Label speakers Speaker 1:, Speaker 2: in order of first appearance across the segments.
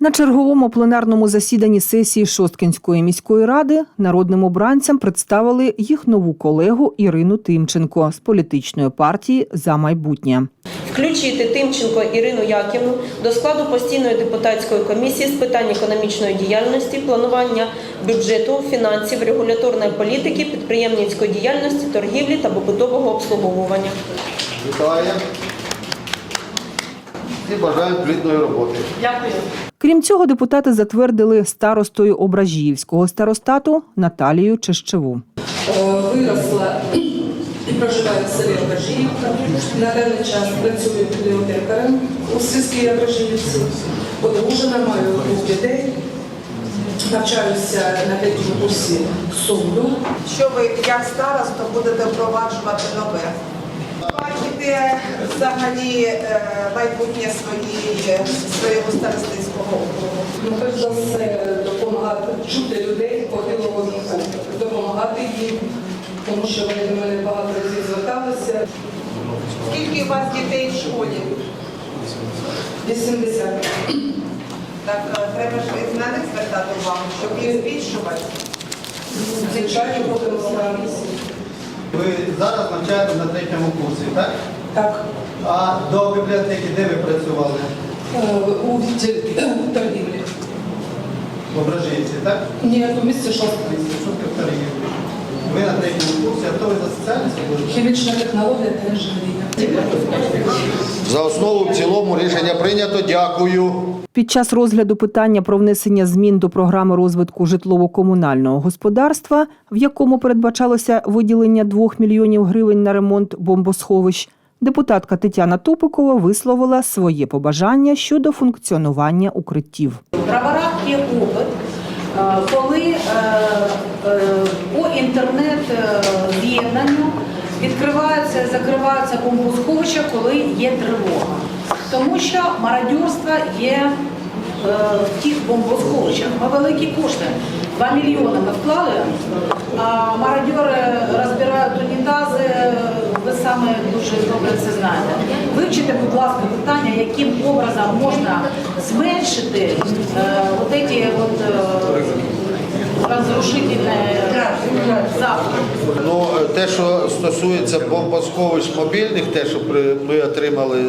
Speaker 1: На черговому пленарному засіданні сесії Шосткинської міської ради народним обранцям представили їх нову колегу Ірину Тимченко з політичної партії «За майбутнє».
Speaker 2: Включити Тимченко Ірину Яківну до складу постійної депутатської комісії з питань економічної діяльності, планування бюджету, фінансів, регуляторної політики, підприємницької діяльності, торгівлі та побутового обслуговування.
Speaker 3: Вітаю. І бажаю плідної роботи.
Speaker 2: Дякую.
Speaker 1: Крім цього, депутати затвердили старостою Ображіївського старостату Наталію Чещеву.
Speaker 4: Виросла і проживає в селі Ображіївка. На даний час працює бібліотекарем у сільській Ображіївці. Одружена, маю двох дітей. Навчаюся на третьому курсі суду.
Speaker 5: Що ви, як староста, будете впроваджувати нове? Бачите взагалі майбутнє своєго старостинського округу?
Speaker 4: Ну, перш за все, допомагати чути людей похилого віку, допомагати їм, тому що вони до мене багато разів зверталися.
Speaker 5: Скільки у вас дітей в школі?
Speaker 4: 80.
Speaker 5: Так, треба ж і на них звертати увагу, щоб їх збільшувати.
Speaker 4: Звичайно, будемо старатися.
Speaker 3: Ви зараз навчаєте на третьому курсі, так?
Speaker 4: Так.
Speaker 3: А до бібліотеки де ви працювали?
Speaker 4: У відділі торгівлі.
Speaker 3: В Ображіївці, так?
Speaker 4: Ні, у місті Шосткинськ.
Speaker 3: Що ти в торгівлі? Ви на третьому курсі, а хто ви за соціальність будете?
Speaker 4: Хімічна технологія та інженерія.
Speaker 3: За основу, в цілому рішення прийнято. Дякую.
Speaker 1: Під час розгляду питання про внесення змін до програми розвитку житлово-комунального господарства, в якому передбачалося виділення 2 мільйонів гривень на ремонт бомбосховищ, депутатка Тетяна Тупикова висловила своє побажання щодо функціонування укриттів.
Speaker 6: В Броварах є опит, коли по інтернет-з'єднанню відкриваються і закриваються бомбосховища, коли є тривога. Тому що мародерство є в тих бомбосховищах. Ми великі кошти, 2 мільйони ми вклали, а мародери розбирають унітази, ви саме дуже добре це знаєте. Вивчите, будь ласка, питання, яким образом можна зменшити ці розрушительні заходи.
Speaker 3: Ну, те, що стосується бомбосховищ мобільних, те, що ми отримали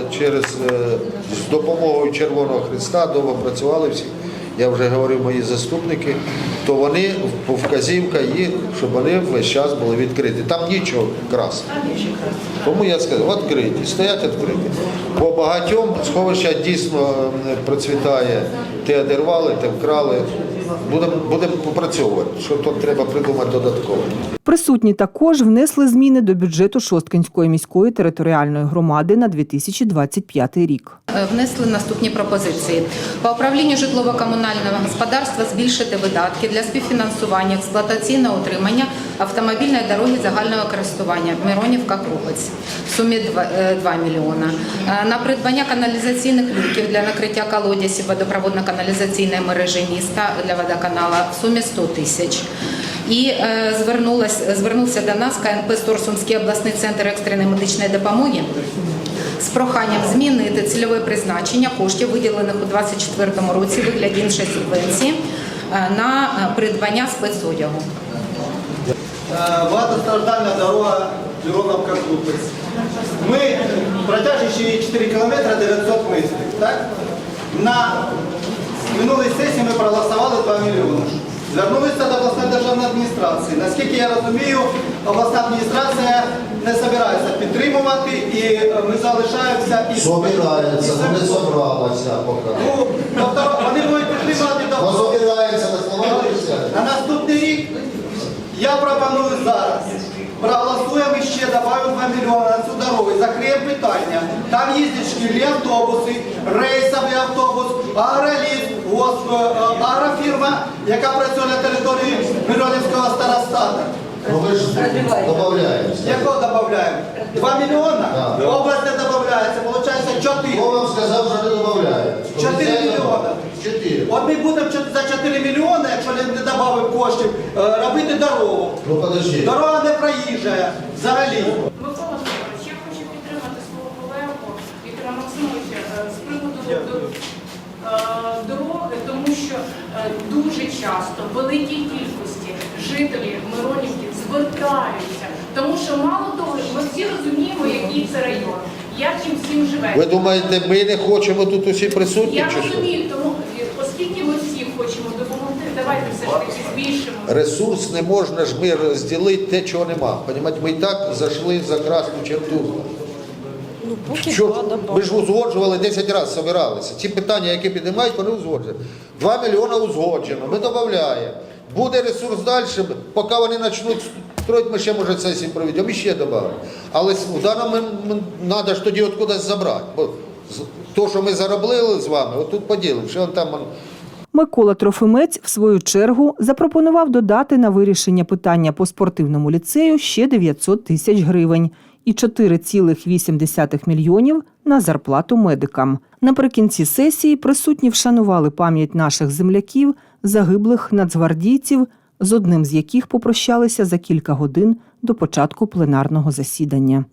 Speaker 3: з допомогою Червоного Хреста, довго працювали всі, я вже говорив, мої заступники, то вони, вказівка їх, щоб вони весь час були відкриті. Там нічого красного. Тому я сказав, відкриті, стоять відкриті. По багатьом сховища дійсно процвітає, те одірвали, те вкрали. Будемо попрацьовувати, що тут треба придумати додатково.
Speaker 1: Присутні також внесли зміни до бюджету Шосткинської міської територіальної громади на 2025 рік.
Speaker 7: Внесли наступні пропозиції. По управлінню житлово-комунального господарства збільшити видатки для співфінансування експлуатаційного утримання автомобільної дороги загального користування Миронівка-Крупець в сумі 2 мільйона. На придбання каналізаційних люків для накриття колодязів водопроводно-каналізаційної мережі міста для водоканала в сумі 100 тисяч. І звернувся до нас КНП «Сторсумський обласний центр екстреної медичної допомоги з проханням змінити цільове призначення коштів, виділених у 2024 році у вигляді іншої субвенції на придбання спецодягу.
Speaker 8: Багатостраждальна дорога Мироновка-Крупець. Ми протяжні 4 кілометри 900 метрів. Так? На минулій сесії ми проголосували 2 мільйони. Звернулися до обласної державної адміністрації. Наскільки я розумію, обласна адміністрація не збирається підтримувати і ми залишаємося і...
Speaker 3: Собирається, не зібралася поки.
Speaker 8: Ну, тобто вони будуть підтримувати до...
Speaker 3: Собирається на словах.
Speaker 8: На наступний рік я пропоную зараз. Проголосуємо і ще додаємо 2 мільйони на цю дорогу і закриємо питання. Там їздять шкільні автобуси, рейсовий автобус, агроліс, агрофірма, яка працює на території Миронівського старостату.
Speaker 3: Ну ви ж додаєте.
Speaker 8: Якого додаємо? 2 мільйони? Область не додається, виходить 4.
Speaker 3: Хто вам сказав, що не додаєте?
Speaker 8: 4 мільйони.
Speaker 3: 4.
Speaker 8: От ми будемо за 4 мільйони, якщо не додамо коштів, робити дорогу.
Speaker 3: Ну подожди.
Speaker 8: Дорога не проїжджає взагалі.
Speaker 9: Микола Федорович, я хочу підтримати свого колегу Віктора Максимовича з приводу дороги до дуже часто в великій кількості жителі Миронівки звертаються, тому що мало того, ми всі розуміємо, який це район, як їм всім живе.
Speaker 3: Ви думаєте, ми не хочемо тут усі присутні?
Speaker 9: Я
Speaker 3: Чи що?
Speaker 9: розумію, тому оскільки ми всі хочемо допомогти, давайте все ж таки збільшимо.
Speaker 3: Ресурс не можна ж ми розділити те, чого нема. Понімаєте, ми і так зайшли за красну черту. Що, ми ж узгоджували 10 разів, збиралися. Ці питання, які піднімають, вони узгоджують. 2 мільйони узгоджено, ми додаємо. Буде ресурс далі, поки вони почнуть строїти, ми ще, може, сесії проведемо і ще додамо. Але в даному треба ж тоді откудись забрати. Бо то, що ми заробили з вами, отут поділимо. Що там...
Speaker 1: Микола Трофимець, в свою чергу, запропонував додати на вирішення питання по спортивному ліцею ще 900 тисяч гривень і 4,8 мільйонів на зарплату медикам. Наприкінці сесії присутні вшанували пам'ять наших земляків, загиблих нацгвардійців, з одним з яких попрощалися за кілька годин до початку пленарного засідання.